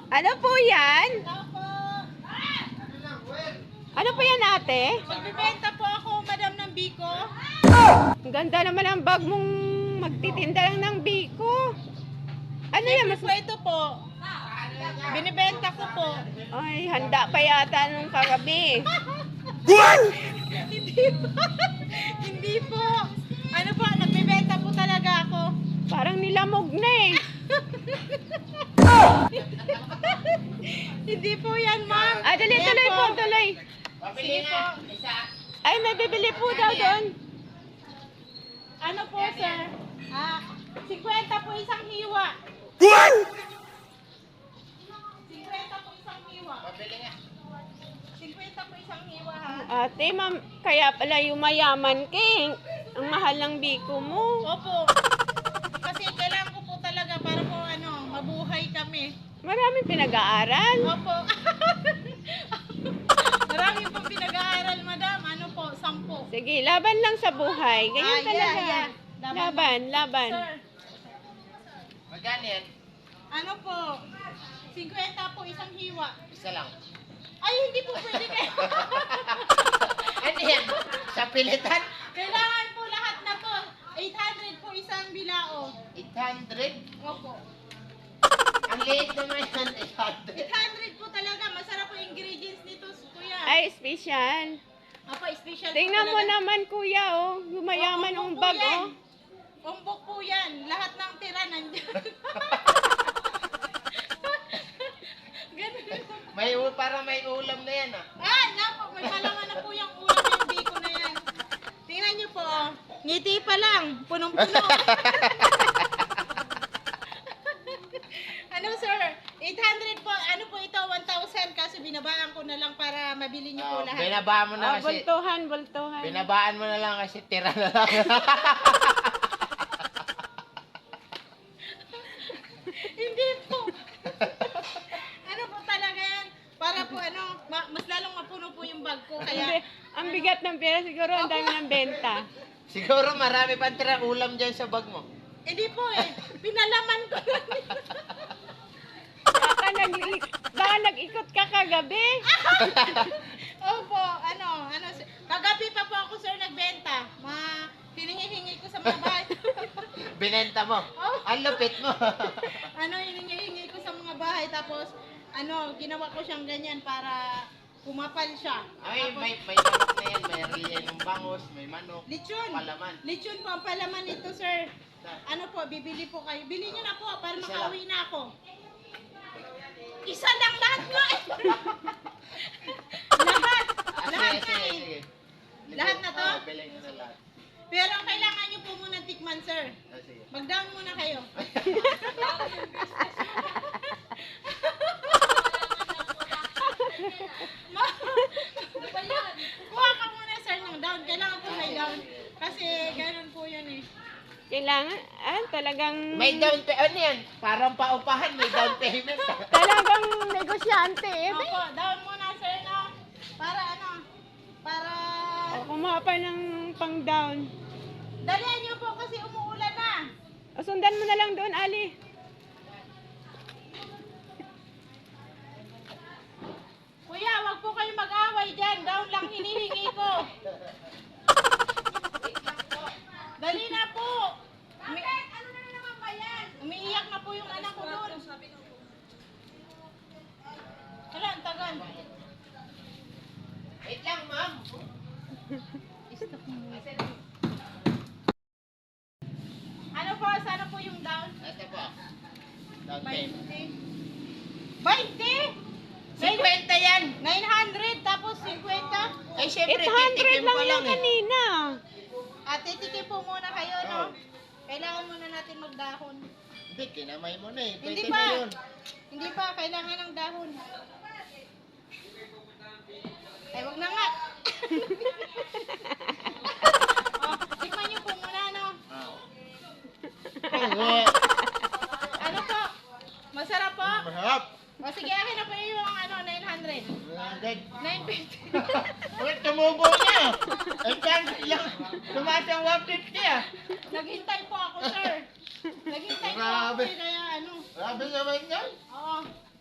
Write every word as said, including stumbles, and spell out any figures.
Ano po yan? Ano po yan, ate? Magbibenta po ako, madam, ng biko. Ang ganda naman ang bag mong magtitinda lang ng biko. Ano yan? Mas... Po ito po. Binibenta ko po. Ay, handa pa yata nung kagabi. Hindi po. Hindi po. Ano po, nagbibenta po talaga ako. Parang nilamog na eh. Hindi po yan, ma'am. Ah, dali, Ayan tuloy po, tuloy. Sige po. Ay, may bibili po daw doon. Ano po, sir? Ah, fifty po isang hiwa. fifty po isang hiwa. fifty po isang hiwa, ha? Ate, ma'am, kaya pala yumayaman ka eh. Ang mahal ng biko mo. Opo. Kasi kailangan ko po talaga para po ano, mabuhay kami. Maraming pinag-aaral. Opo. Marami pong pinag-aaral, madam. Ano po, sampo. Sige, laban lang sa buhay. Ganyan Ah, yeah, talaga. yeah. Laban, laban. Sir, Magkano yan? ano po, fifty po isang hiwa. Isa lang. Ay, hindi po pwede kayo. Ano yan? Sa pilitan? Kailangan po lahat na to. eight hundred po isang bilao. eight hundred? Opo. Ang liit naman yan, eight hundred. eight hundred po talaga. Masarap po yung ingredients nito, kuya. Ay, special. Opo, special po Tingnan mo talaga. naman, kuya, oh. Yumayaman Opo, ang umbok bag, po yan. oh. Umbok po yan. Lahat ng tira nandyan. Ganun. May u- para may ulam na yan ah. Ah, napo, may malaman na po yung ulam yung biko na yan. Tingnan niyo po, oh. Ngiti pa lang, punong-puno. Ano sir, eight hundred po, ano po ito, one thousand, kaso binabaan ko na lang para mabili niyo po Oh, lahat. binabaan mo na Oh, kasi. bultuhan, bultuhan. Binabaan mo na lang kasi tira na lang. Hindi po. Ano po talaga yan, para po ano, ma- mas lalong mapuno po yung bag ko, Hindi, kaya... ang bigat ng pera, siguro ang dami ng benta. Siguro marami pang tira ulam dyan sa bag mo. Hindi po eh, pinalaman ko na. Baka, nag baka nag-ikot ka kagabi. Opo, ano, ano, kagabi pa po ako sir nagbenta. Ma, hiningi-hingi ko sa mga bahay. Binenta mo. Oh. Ang lupit mo. Ano, hiningi-hingi ko sa mga bahay. Tapos, ano, ginawa ko siyang ganyan para kumapal siya. Ay, Tapos, may, may manok na yan. May riyan ng bangus, may manok. lechon. Palaman. Lechon po ang palaman nito sir. Ano po, bibili po kayo. Bili nyo na po para Isa makauwi na ako. Isa lang lahat nga eh. Lahat. Ah, Lahat sige, nga sige, eh. sige. Lahat na to? Oo, bilhin mo na lahat. Pero ang kailangan nyo po muna tikman sir. Ah, sige. Mag-down muna kayo. Ma- Kuha ka muna sir ng down. Kailangan po may down. Kasi ganun po yun eh. Kailangan, ah, talagang... May down payment. Ano yan? Parang paupahan, may down payment. Talagang negosyante eh. Opo, down muna sir no. Para ano? Para... O, kumuha pa ng pang-down. Dalihan nyo po kasi umuulan na. O, sundan mo na lang doon, Ali. Kuya, wag po kayo mag-away dyan. Down lang hinihingi ko. Dali na po. Umi ano na naman ba yan? Umiiyak na po yung anak ko doon. Hala, ang tagal. Wait lang, ma'am. Ano po, sana po yung down? Ito po. Down payment. twenty? cinquenta yan. nine hundred tapos fifty? Ay, syempre, eight hundred titikim lang pa yung lang eh. kanina. At titikim po muna kayo, no? Oo. Kailangan muna natin magdahon. Hindi, kinamay mo na eh. Hindi Pwede pa. na yun. Hindi pa, kailangan ng dahon. Ay, wag na nga. Oh, tikman niyo po muna, no? Ah. Ano po? Masarap po? Mahap. O sige, akin na po yung ano, nine hundred. Agad. nine fifty. Uy, tumubo niya. Ang chance lang. Tumaas ang one fifty ah. Naghintay po ako, sir. Naghintay po ako, Grabe. eh, kaya ano. Grabe naman yan. Oo.